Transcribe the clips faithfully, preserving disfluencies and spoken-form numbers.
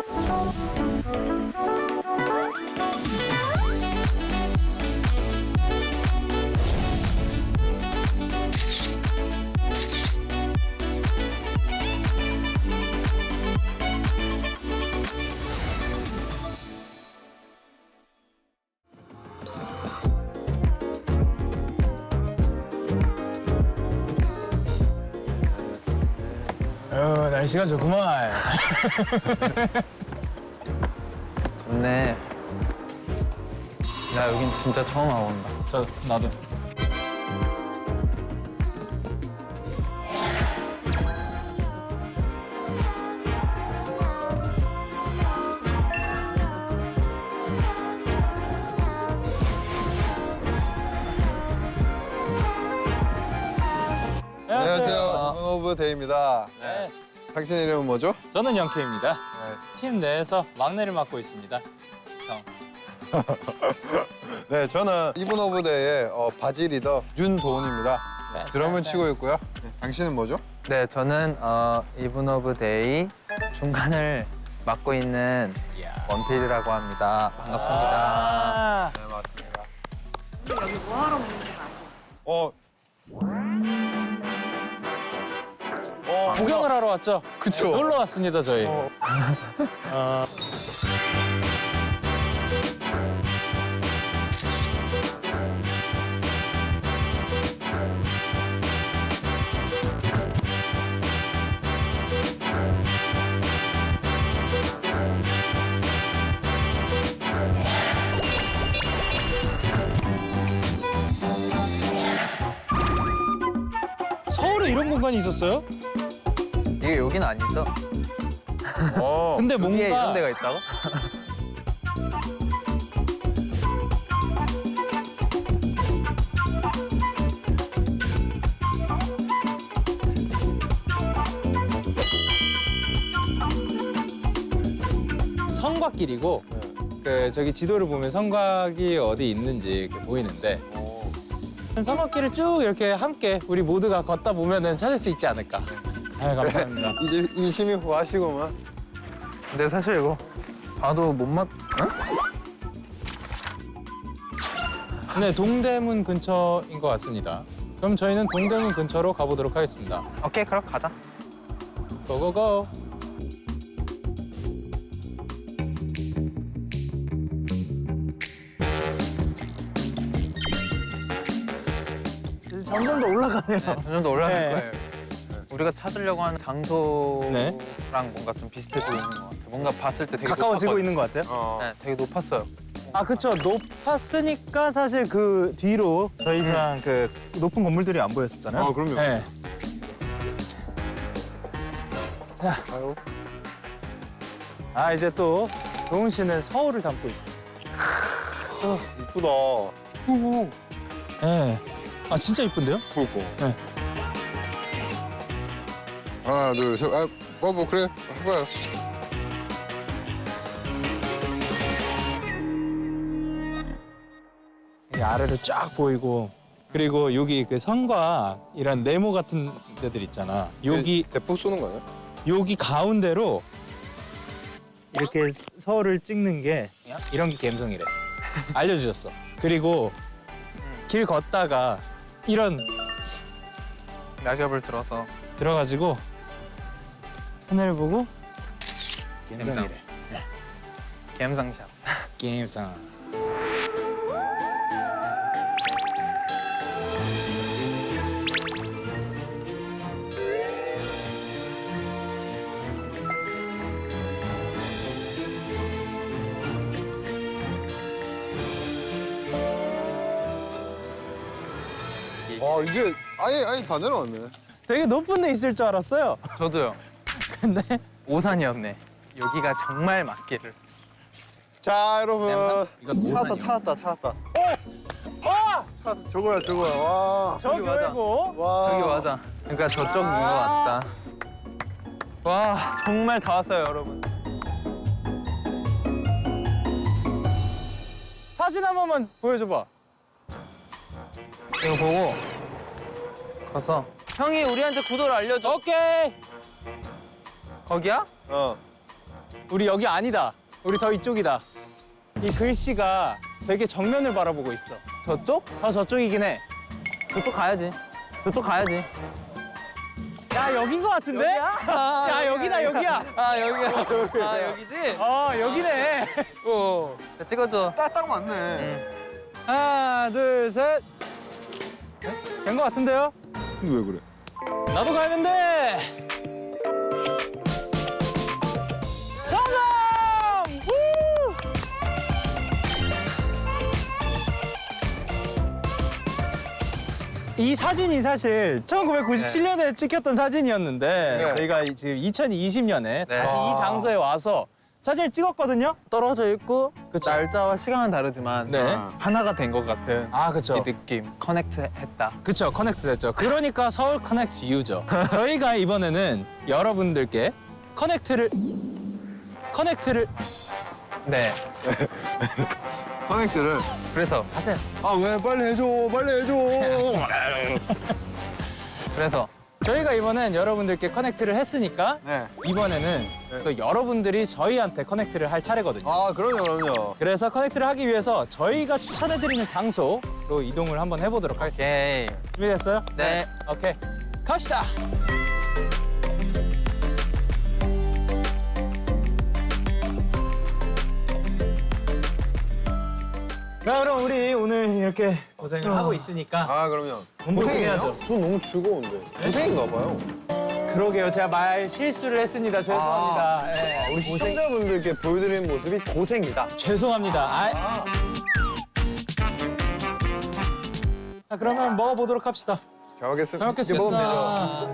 어, 날씨가 좋구만. 좋네. 나 여긴 진짜 처음 와본다. 저 나도. 안녕하세요. 이븐 오브 데이입니다. 네. 당신 이름은 뭐죠? 저는 영케입니다. 팀 내에서 막내를 맡고 있습니다. 형. 네, 저는 이븐 오브 데이의 어, 바지 리더 윤도훈입니다. 네, 드럼을 네, 치고 네. 있고요. 네, 당신은 뭐죠? 네, 저는 어, 이븐 오브 데이 중간을 맡고 있는 원필이라고 합니다. 반갑습니다. 아, 네, 맞습니다. 여기 뭐 하러 오는 지 알고? 어. 어, 구경을 하러 왔죠? 그쵸. 놀러 왔습니다, 저희. 어. 어, 서울에 이런 공간이 있었어요? 이게 여긴 아니죠? 어. 근데 여기에 이런 뭔가 데가 있다고? 성곽길이고 그 저기 지도를 보면 성곽이 어디 있는지 이렇게 보이는데 성곽길을 쭉 이렇게 함께 우리 모두가 걷다 보면은 찾을 수 있지 않을까. 아, 감사합니다. 이제 인심이 후하시고만. 근데 사실 이거 봐도 못 맞... 응? 네, 동대문 근처인 것 같습니다. 그럼 저희는 동대문 근처로 가보도록 하겠습니다. 오케이, 그럼 가자. 고고고. 점점 더 올라가네요. 네, 점점 더 올라갈 네. 거예요. 우리가 찾으려고 하는 장소랑 네. 뭔가 좀 비슷해 보이는 것 같아요. 뭔가 봤을 때 되게 가까워지고 높았거든요. 있는 것 같아요. 어. 네, 되게 높았어요. 아, 그쵸. 높았으니까 사실 그 뒤로 더 이상 그 높은 건물들이 안 보였었잖아요. 어, 그럼요. 네. 자, 아유. 아, 이제 또 도훈 씨는 서울을 담고 있어요. 이쁘다. 네. 아, 진짜 이쁜데요? 그니까. 네. 하나, 둘, 셋. 아, 뭐, 뭐, 그래. 해봐요. 이 아래로 쫙 보이고 그리고 여기 그 성곽 이런 네모 같은 데들 있잖아. 여기 대- 대포 쏘는 거예요? 여기 가운데로 이렇게 서울을 찍는 게 이런 게 감성이래. 알려주셨어. 그리고 길 걷다가 이런 낙엽을 들어서 들어가지고 하늘 보고 감성. 감성이래. 갬상샷. 감성. 아, 이게 아예, 아예 다 내려왔네. 되게 높은 데 있을 줄 알았어요. 저도요. 근데 오산이었네. 여기가 정말 맞기를. 자, 여러분. 이거 찾았다, 오산이요. 찾았다, 찾았다. 아! 찾았다. 저거야, 저거야. 와. 저기 맞아. 말고 와. 저기 맞아. 그러니까 저쪽인 것 아. 같다. 와, 정말 다 왔어요, 여러분. 사진 한 번만 보여줘봐. 이거 보고 가서 형이 우리한테 구도를 알려줘. 오케이. 거기야? 어. 우리 여기 아니다. 우리 더 이쪽이다. 이 글씨가 되게 정면을 바라보고 있어. 저쪽? 더 저쪽이긴 해. 저쪽 가야지. 저쪽 가야지. 야, 여긴 것 같은데? 아, 야, 여기다, 여기야. 아, 여기야. 아, 여기지? 어, 여기네. 어, 자, 찍어줘. 딱, 딱 맞네. 응. 하나, 둘, 셋. 된 것 같은데요? 근데 왜 그래? 나도 가야겠는데. 성공! 우! 이 사진이 사실 천구백구십칠 년에 찍혔던 사진이었는데 네. 저희가 이- 지금 이천이십 년에 네. 다시 아. 이 장소에 와서 사진을 찍었거든요. 떨어져 있고 그쵸. 날짜와 시간은 다르지만 네. 하나가 된 것 같은 아, 이 그렇죠. 느낌. 커넥트 했다. 그쵸, 커넥트 됐죠. 그러니까 서울 커넥트 유죠. 저희가 이번에는 여러분들께 커넥트를 커넥트를 네. 커넥트를. 그래서 하세요. 아, 왜? 빨리 해줘. 빨리 해줘. 그래서 저희가 이번엔 여러분들께 커넥트를 했으니까 네. 이번에는 또 여러분들이 저희한테 커넥트를 할 차례거든요. 아, 그럼요, 그럼요. 그래서 커넥트를 하기 위해서 저희가 추천해드리는 장소로 이동을 한번 해보도록 하겠습니다. 오케이. 준비됐어요? 네. 오케이. 갑시다. 자, 그럼 우리 오늘 이렇게 고생을 하고 있으니까 아, 그럼요. 몸보신해야죠. 전 너무 즐거운데. 고생인가 봐요. 그러게요. 제가 말 실수를 했습니다. 죄송합니다. 아, 예. 우리 시청자분들께 보여드리는 모습이 고생이다. 죄송합니다. 아. 자, 그러면 먹어보도록 합시다. 잘 먹겠습니다. 잘 먹겠습니다. 이렇게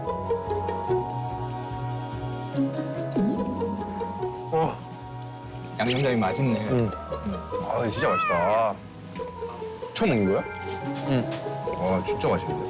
먹으면 되죠. 양념장이 맛있네. 응. 아, 진짜 맛있다. 처음 먹는 거야? 응. 와, 진짜 맛있는데.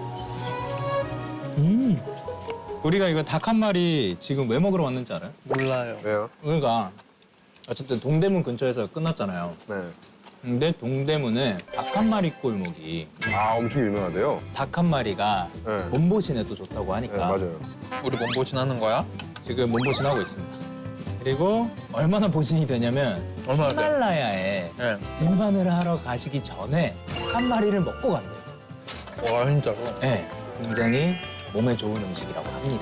음. 우리가 이거 닭 한 마리 지금 왜 먹으러 왔는지 알아요? 몰라요. 왜요? 우리가 어쨌든 동대문 근처에서 끝났잖아요. 네. 근데 동대문에 닭 한 마리 골목이 아, 엄청 유명하대요. 닭 한 마리가 네. 몸보신에도 좋다고 네, 하니까 맞아요. 우리 몸보신 하는 거야? 지금 몸보신하고 있습니다. 그리고 얼마나 보신이 되냐면 얼마나 돼? 히말라야에 네. 등반을 하러 가시기 전에 닭 한 마리를 먹고 간대요. 와, 진짜로? 네, 굉장히 몸에 좋은 음식이라고 합니다.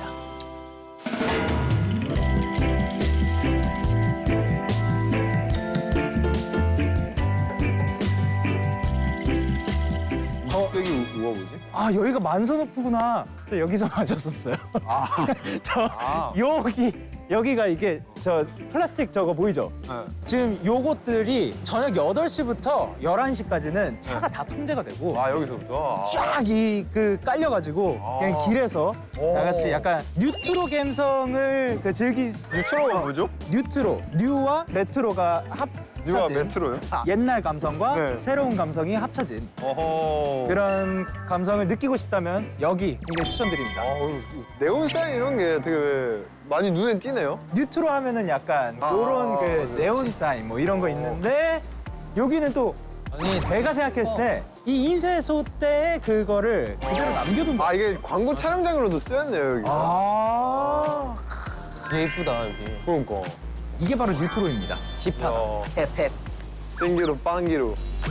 흑백이 우와 뭐지? 아, 여기가 만선호프구나. 저 여기서 마셨었어요. 아, 저 아. 여기 여기가 이게 저 플라스틱 저거 보이죠? 네. 지금 요것들이 저녁 여덟 시부터 열한 시까지는 차가 다 통제가 되고 아, 여기서부터? 아. 쫙 이 그 깔려가지고 아. 그냥 길에서 오. 다 같이 약간 뉴트로 감성을 그 즐기 유튜브가 뭐죠? 뉴트로 뉴와 레트로가 뉴와 합쳐진 메트로요? 옛날 감성과 네. 새로운 감성이 합쳐진 어허. 그런 감성을 느끼고 싶다면 여기 굉장히 추천드립니다. 아우, 네온 사인 이런 게 되게 많이 눈에 띄네요. 뉴트로 하면은 약간 아, 그런 그 그렇지. 네온 사인 뭐 이런 거 있는데 여기는 또 아니 제가 생각했을 때 이 인쇄소 때의 그거를 그대로 남겨둔 거. 아, 이게 광고 촬영장으로도 쓰였네요, 여기. 아, 되게 예쁘다, 여기. 그러니까. 이게 바로 뉴트로입니다. 힙합, 야. 힙합. 생기로 빵기로.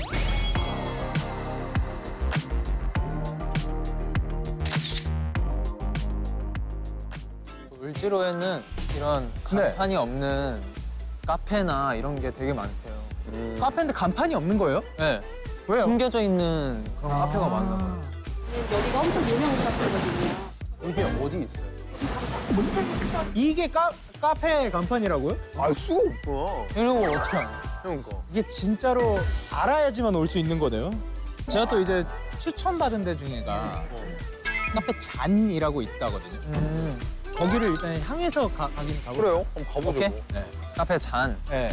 을지로에는 이런 네. 간판이 없는 카페나 이런 게 되게 많대요. 음. 카페인데 간판이 없는 거예요? 네. 왜요? 숨겨져 있는 그런 카페가 많나 봐요. 여기가 엄청 유명한 카페거든요. 이게 어디 있어요? 이게 카, 카페 간판이라고요? 알 수가 없구나. 이런 걸 어떻게 알아? 그러니까. 이게 진짜로 알아야지만 올 수 있는 거네요. 제가 또 이제 추천받은 데 중에가 카페 잔이라고 있다거든요. 음. 거기를 일단 향해서 가, 가긴 가고. 그래요? 한번 가보죠. 오케이. 뭐. 네. 카페 잔. 네.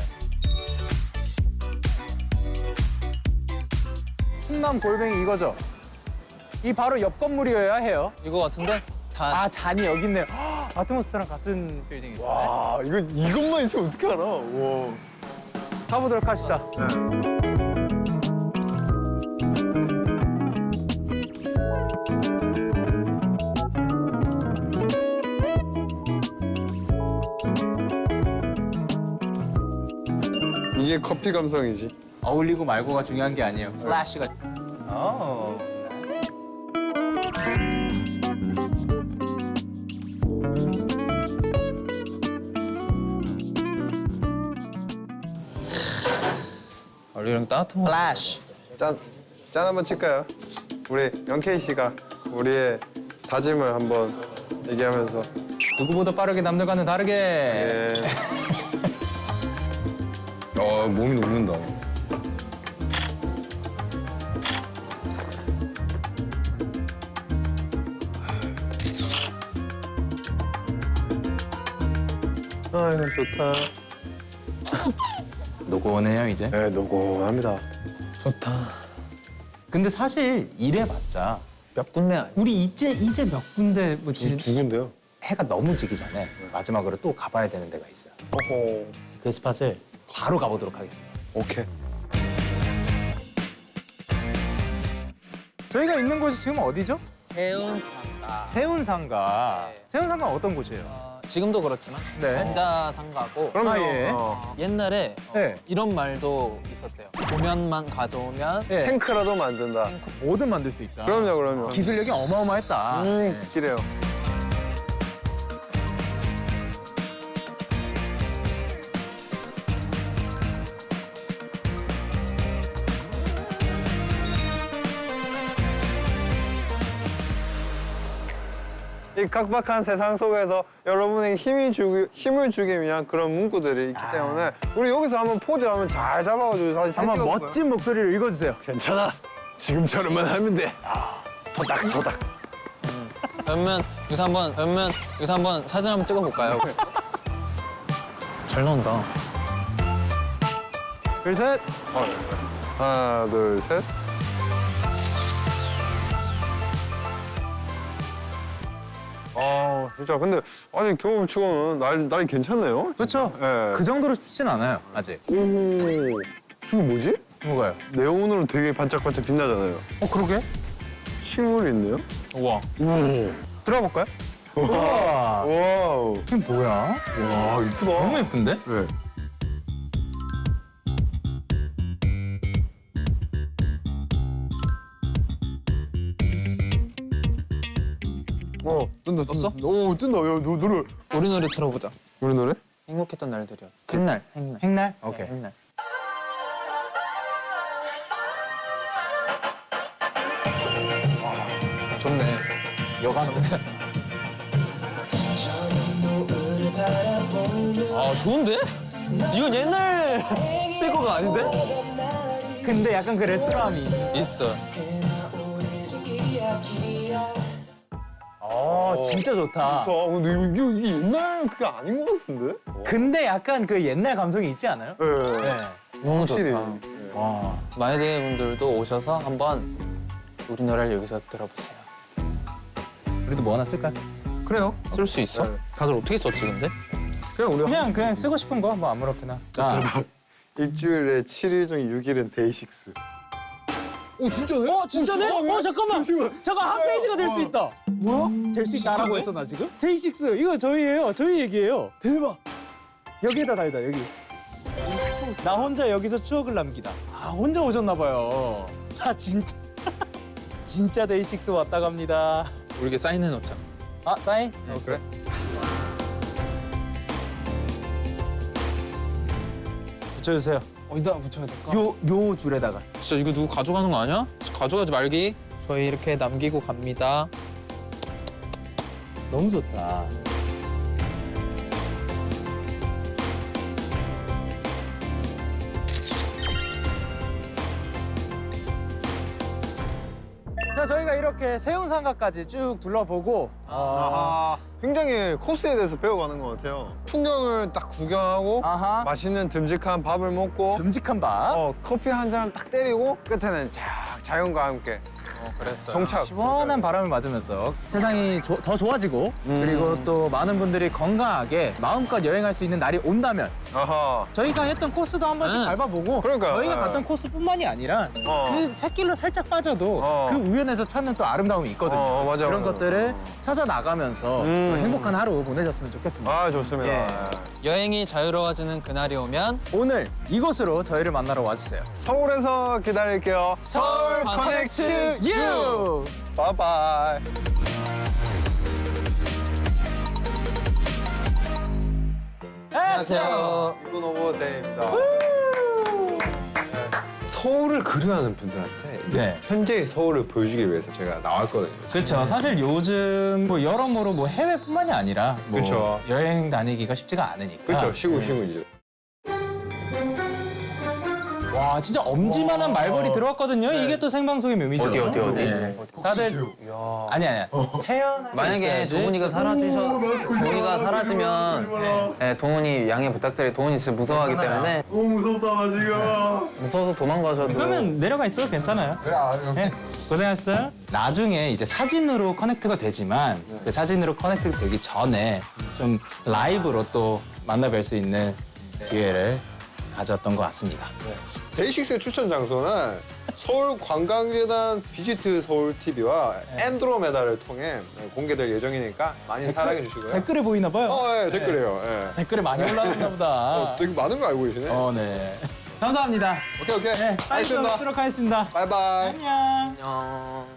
충남 골뱅이 이거죠? 이 바로 옆 건물이어야 해요. 이거 같은데? 잔. 아, 잔이 여기 있네요. 헉, 아트모스랑 같은 빌딩이죠. 와, 이거 이것만 있으면 어떻게 알아? 와. 가보도록 합시다. 이게 커피 감성이지. 어울리고 말고가 중요한 게 아니에요. 플래시가. 어. 원래 이런 거 따뜻한 거. 플래시. 짠, 짠 한번 칠까요? 우리 영케이 씨가 우리의 다짐을 한번 얘기하면서. 누구보다 빠르게 남들과는 다르게. 예. 어, 몸이 녹는다. 아, 이거 좋다. 노곤해요 이제. 네, 노곤합니다. 좋다. 근데 사실 이래봤자 몇 군데 아니야? 우리 이제 이제 몇 군데 뭐 지, 두 군데요? 해가 너무 지기 전에 마지막으로 또 가봐야 되는 데가 있어요. 어허. 그 스팟을 바로 가보도록 하겠습니다. 오케이. 저희가 있는 곳이 지금 어디죠? 세운상가. 세운상가. 네. 세운상가 어떤 곳이에요? 어, 지금도 그렇지만 네. 남자상가고 그럼요. 아, 예. 어. 옛날에 어, 네. 이런 말도 있었대요. 도면만 가져오면 예. 탱크라도 만든다. 뭐든 만들 수 있다. 그럼요, 그럼요. 기술력이 어마어마했다. 음, 기래요. 이 각박한 세상 속에서 여러분에게 힘이 주기, 힘을 주기 위한 그런 문구들이 있기 때문에 우리 여기서 한번 포즈 한번 잘 잡아가지고 사진 한번 찍어볼까요? 멋진 목소리로 읽어주세요. 괜찮아. 지금처럼만 하면 돼. 도닥 도닥. 그러면 여기서 한번 그러면 여기서 한번 사진 한번 찍어볼까요? 잘 나온다. 둘 셋. 하나, 둘, 셋. 아, 진짜 근데 아니 겨울 치고는 날 날이 괜찮네요. 그렇죠. 예. 그 정도로 춥진 않아요 아직. 오, 이게 뭐지? 뭐가요? 네온으로 되게 반짝반짝 빛나잖아요. 어 그러게. 식물이 있네요. 우와. 오, 들어볼까요? 우와. 와우, 이게 뭐야? 와 이쁘다. 너무 예쁜데? 네. 어, 뜬다, 뜬다. 떴어? 오, 뜬다. 야, 너 노래. 우리 노래 틀어보자. 우리 노래? 행복했던 날들이요. 행날, 행날. 행날? 네, 오케이. 행날. 아, 좋네. 여간. 아, 좋은데? 이건 옛날 스피커가 아닌데? 근데 약간 그 레트로함이. 있어. 어 진짜 좋다. 아, 근데 이거, 이거 이게 옛날 그게 아닌 것 같은데? 근데 약간 그 옛날 감성이 있지 않아요? 네. 네. 너무 확실히. 좋다. 와. 마이데이 분들도 오셔서 한번 우리 노래를 여기서 들어보세요. 우리도 뭐 하나 쓸까요? 그래요. 쓸 수 있어? 네. 다들 어떻게 썼지 근데? 그냥 우리 그냥 그냥 쓰고 싶은 거 뭐 아무렇게나. 자. 일주일에 칠 일 중 육 일은 데이식스. 오 진짜네? 어 진짜네? 어 잠깐만. 잠시만. 잠깐 한 페이지가 될 수 있다. 뭐야? 될 수 있다라고 했어 나 지금? 데이식스 이거 저희예요. 저희 얘기예요. 대박. 여기에다 달다 여기. 나 혼자 여기서 추억을 남기다. 아 혼자 오셨나 봐요. 아 진짜 진짜 데이식스 왔다 갑니다. 우리 이게 사인해 놓자. 아 사인? 어, 그래? 붙여주세요. 어디다 붙여야 될까? 요 요 줄에다가. 진짜 이거 누구 가져가는 거 아니야? 가져가지 말기. 저희 이렇게 남기고 갑니다. 너무 좋다. 자, 저희가 이렇게 세운상가까지 쭉 둘러보고 어, 아, 굉장히 코스에 대해서 배워가는 것 같아요. 풍경을 딱 구경하고 아하. 맛있는 듬직한 밥을 먹고 듬직한 밥. 어, 커피 한 잔 딱 때리고 끝에는 쫙 자연과 함께 그랬어요. 정착. 시원한 바람을 맞으면서 세상이 조- 더 좋아지고 그리고 또 많은 분들이 건강하게 마음껏 여행할 수 있는 날이 온다면 아하. 저희가 했던 코스도 한 번씩 응. 밟아보고 그러니까요. 저희가 네. 갔던 코스뿐만이 아니라 어. 그 샛길로 살짝 빠져도 어. 그 우연에서 찾는 또 아름다움이 있거든요. 어, 맞아, 그런 맞아. 것들을 찾아 나가면서 음. 행복한 하루 보내셨으면 좋겠습니다. 아, 좋습니다. 예. 여행이 자유로워지는 그날이 오면 오늘 이곳으로 저희를 만나러 와주세요. 서울에서 기다릴게요. 서울 커넥트 유! 바이바이. 안녕하세요. 이분 오버 데이입니다. 서울을 그리워하는 분들한테 이제 네. 현재의 서울을 보여주기 위해서 제가 나왔거든요. 그렇죠. 사실 요즘 뭐 여러모로 뭐 해외뿐만이 아니라 뭐 그쵸. 여행 다니기가 쉽지가 않으니까. 그렇죠. 쉬고 쉬고 이제. 와 진짜 엄지만한 말벌이 들어왔거든요. 이게 또 생방송의 묘미죠. 어디, 어디, 어디? 네. 다들 아니 아니야. 태어나 만약에 동훈이가 사라지셔 동훈이가 사라지면 네, 동훈이 양해 부탁드려요. 동훈이 진짜 무서워하기 때문에 너무 무섭다 나 지금. 무서워서 도망가셔도 그러면 내려가 있어도 괜찮아요. 그래, 아, 네, 고생하셨어요. 나중에 이제 사진으로 커넥트가 되지만 그 사진으로 커넥트 되기 전에 좀 라이브로 또 만나뵐 수 있는 기회를 가졌던 것 같습니다. 데이식스의 추천 장소는 서울 관광재단 비지트 서울 티비와 앤드로메다를 통해 공개될 예정이니까 많이 사랑해 주시고요. 댓글에 보이나 봐요. 어, 예, 댓글이에요. 예. 댓글에 많이 올라왔나 보다. 어, 되게 많은 거 알고 계시네. 어, 네. 감사합니다. 오케이, 오케이. 네, 빨리 알겠습니다. 들어가도록 하겠습니다. 바이바이. 안녕. 안녕.